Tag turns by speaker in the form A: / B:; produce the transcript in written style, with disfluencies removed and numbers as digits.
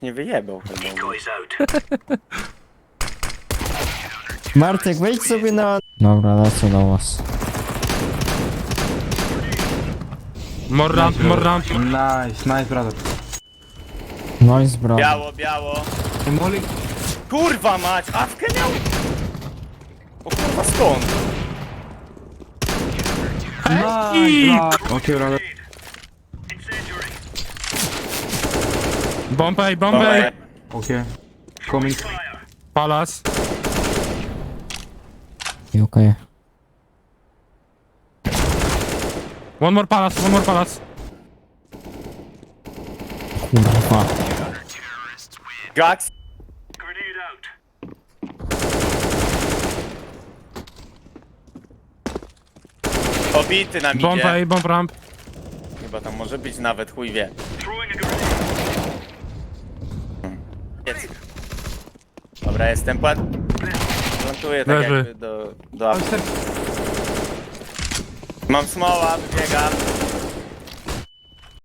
A: Nie wyjebał chyba.
B: Martek, wejdź sobie na... Dobra, lecę do was.
C: More ramp, more ramp.
D: Nice, brother.
B: Noise, bro.
A: Biało, biało.
D: Molly.
A: Kurwa mać, awkę miał? O kurwa skąd?
D: Nice, bro. Okay, brother.
C: Bombay,
A: Dobra,
C: Bombay.
D: Okay. Coming.
C: Palace.
B: Okej.
C: One more palace, one more palace.
B: Kurwa.
A: Jax. Obity na midzie.
C: Bombay, bomb ramp.
A: Chyba tam może być nawet, chuj wie. Jest. Dobra, jestem plantuję tak
C: Leży.
A: jakby do apy. Mam smoła, biegam.